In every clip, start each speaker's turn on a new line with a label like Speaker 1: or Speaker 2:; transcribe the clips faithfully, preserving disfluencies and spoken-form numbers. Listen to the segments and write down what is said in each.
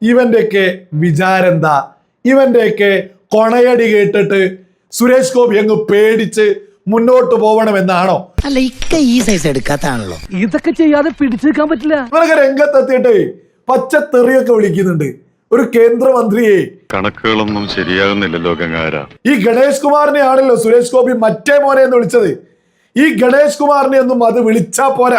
Speaker 1: ഇവന്റെയൊക്കെ വിചാരെന്താ? ഇവന്റെയൊക്കെ കൊണയടി കേട്ടിട്ട് സുരേഷ് ഗോപി അങ്ങ് പേടിച്ച് മുന്നോട്ട് പോകണമെന്നാണോ?
Speaker 2: അല്ല, ഇക്ക ഈ സൈസ് എടുക്കാത്താണല്ലോ.
Speaker 3: ഇതൊക്കെ ചെയ്യാതെ പിടിച്ചു നിൽക്കാൻ പറ്റില്ല.
Speaker 1: ഇവരൊക്കെ രംഗത്തെത്തിയിട്ട് പച്ചത്തെറിയൊക്കെ വിളിക്കുന്നുണ്ട് ഒരു കേന്ദ്രമന്ത്രിയെ.
Speaker 4: കണക്കുകളൊന്നും ശരിയാകുന്നില്ലല്ലോ ഗംഗാര.
Speaker 1: ഈ ഗണേഷ് കുമാറിനെ ആണല്ലോ സുരേഷ് ഗോപി മറ്റേ മോനെ എന്ന് വിളിച്ചത്. ഈ ഗണേഷ് കുമാറിനെ ഒന്നും അത് വിളിച്ചാ പോരാ.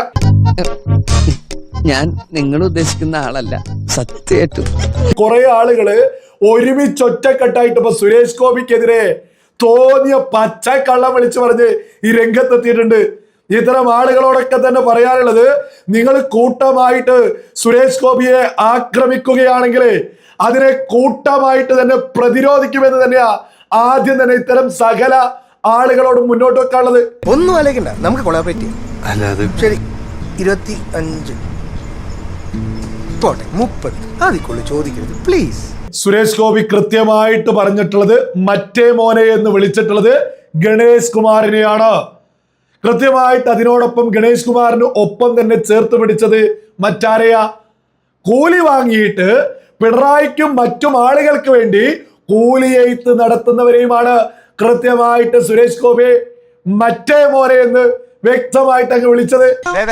Speaker 2: ഞാൻ നിങ്ങൾ ഉദ്ദേശിക്കുന്ന ആളല്ല, സത്യമായിട്ടും.
Speaker 1: കുറെ ആളുകള് ഒരുമിച്ചൊറ്റക്കെട്ടായിട്ട് ഇപ്പൊ സുരേഷ് ഗോപിക്കെതിരെ തോന്നിയ പച്ചക്കള്ളം വിളിച്ചു പറഞ്ഞ് ഈ രംഗത്തെത്തിയിട്ടുണ്ട്. ഇത്തരം ആളുകളോടൊക്കെ തന്നെ പറയാനുള്ളത്, നിങ്ങൾ കൂട്ടമായിട്ട് സുരേഷ് ഗോപിയെ ആക്രമിക്കുകയാണെങ്കിൽ അതിനെ കൂട്ടമായിട്ട് തന്നെ പ്രതിരോധിക്കുമെന്ന് തന്നെയാ ആദ്യം തന്നെ ഇത്തരം സകല ആളുകളോട് മുന്നോട്ട് വെക്കാനുള്ളത്.
Speaker 5: ഒന്നും ആലോചിക്കണ്ട, നമുക്ക് കൊളാബറേറ്റ് ചെയ്യാം. ശരി, ഇരുപത്തി അഞ്ച് പോട്ടെ, മുപ്പത് അതിക്കുള്ളു ചോദിക്കരുത് പ്ലീസ്.
Speaker 1: സുരേഷ് ഗോപി കൃത്യമായിട്ട് പറഞ്ഞിട്ടുള്ളത് മറ്റേ മോനെ എന്ന് വിളിച്ചിട്ടുള്ളത് ഗണേഷ് കുമാറിനെയാണ്. കൃത്യമായിട്ട് അതിനോടൊപ്പം ഗണേഷ് കുമാറിന് ഒപ്പം തന്നെ ചേർത്ത് പിടിച്ചത് മറ്റാരെയാ? കൂലി വാങ്ങിയിട്ട് പിണറായിക്കും മറ്റും ആളുകൾക്ക് വേണ്ടി കൂലിയെയ്ത്ത് നടത്തുന്നവരെയുമാണ് കൃത്യമായിട്ട് സുരേഷ് ഗോപി മറ്റേ മോനെ എന്ന് വ്യക്തമായിട്ട് അങ്ങ് വിളിച്ചത്.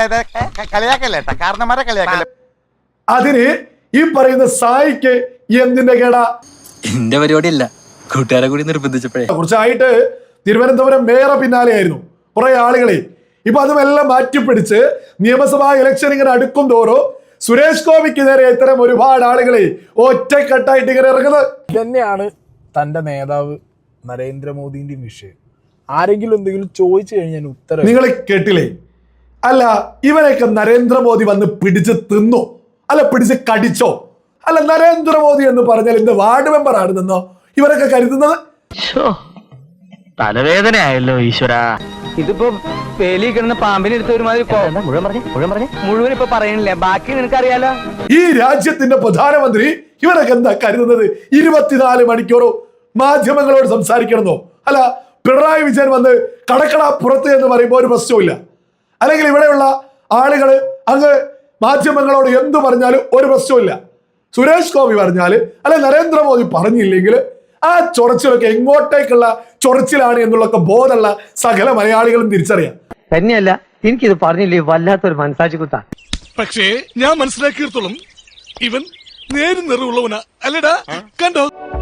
Speaker 1: അതിന് ഈ പറയുന്ന സായിക്ക് എന്തിന്റെ കേടാ?
Speaker 6: എന്റെ പരിപാടിയല്ല, കൂട്ടുകാരെ കൂടി നിർബന്ധിച്ചപ്പോഴേ.
Speaker 1: കുറച്ചായിട്ട് തിരുവനന്തപുരം മേയർ പിന്നാലെയായിരുന്നു കുറെ ആളുകളെ. ഇപ്പൊ അതുമെല്ലാം മാറ്റിപ്പിടിച്ച് നിയമസഭാ ഇലക്ഷൻ ഇങ്ങനെ അടുക്കും തോറും സുരേഷ് ഗോപിക്ക് നേരെ ഇത്തരം ഒരുപാട് ആളുകളെ ഒറ്റക്കെട്ടായിട്ട് ഇങ്ങനെ ഇറങ്ങുന്നത്.
Speaker 7: തന്നെയാണ് തന്റെ നേതാവ് നരേന്ദ്രമോദിന്റെ വിഷയം. ആരെങ്കിലും എന്തെങ്കിലും ചോദിച്ചു കഴിഞ്ഞാൽ ഉത്തരം
Speaker 1: നിങ്ങൾ കേട്ടില്ലേ? അല്ല, ഇവനൊക്കെ നരേന്ദ്രമോദി വന്ന് പിടിച്ച് തിന്നോ? അല്ല, പിടിച്ച് കടിച്ചോ? അല്ല, നരേന്ദ്രമോദി എന്ന് പറഞ്ഞാൽ ഇന്ന് വാർഡ് മെമ്പർ ആണെന്നോ ഇവരൊക്കെ കരുതുന്നത്?
Speaker 3: തലവേദനയായല്ലോ ഈശ്വര. ഇതിപ്പോ പേലി കിടന്ന പാമ്പിനെ എടുത്ത ഒരുമാതിരി മുഴുവൻ പറഞ്ഞേ മുഴുവൻ പറഞ്ഞേ മുഴുവൻ ഇപ്പൊ പറയണില്ലേ, ബാക്കി നിനക്കറിയാലോ.
Speaker 1: ഈ രാജ്യത്തിന്റെ പ്രധാനമന്ത്രി ഇവരൊക്കെ എന്താ കരുതുന്നത്? ഇരുപത്തിനാല് മണിക്കൂറോ മാധ്യമങ്ങളോട് സംസാരിക്കണമെന്നോ? അല്ല, പിണറായി വിജയൻ വന്ന് കടക്കട പുറത്ത് എന്ന് പറയുമ്പോൾ ഒരു പ്രശ്നമില്ല. അല്ലെങ്കിൽ ഇവിടെയുള്ള ആളുകള് അങ്ങ് മാധ്യമങ്ങളോട് എന്തു പറഞ്ഞാലും ഒരു പ്രശ്നമില്ല. സുരേഷ് ഗോപി പറഞ്ഞാല് അല്ലെ നരേന്ദ്രമോദി പറഞ്ഞില്ലെങ്കിൽ ആ ചൊറച്ചിലൊക്കെ എങ്ങോട്ടേക്കുള്ള ചൊറച്ചിലാണ് എന്നുള്ളൊക്കെ ബോധമുള്ള സകല മലയാളികളും തിരിച്ചറിയാം.
Speaker 3: തന്നെയല്ല, എനിക്കിത് പറഞ്ഞില്ലേ വല്ലാത്തൊരു മനസാക്ഷി കുത്താ.
Speaker 8: പക്ഷേ ഞാൻ മനസ്സിലാക്കിയിടത്തോളം ഇവൻ നേരും നിറവുള്ളവനാ. അല്ലടാ, കണ്ടോ?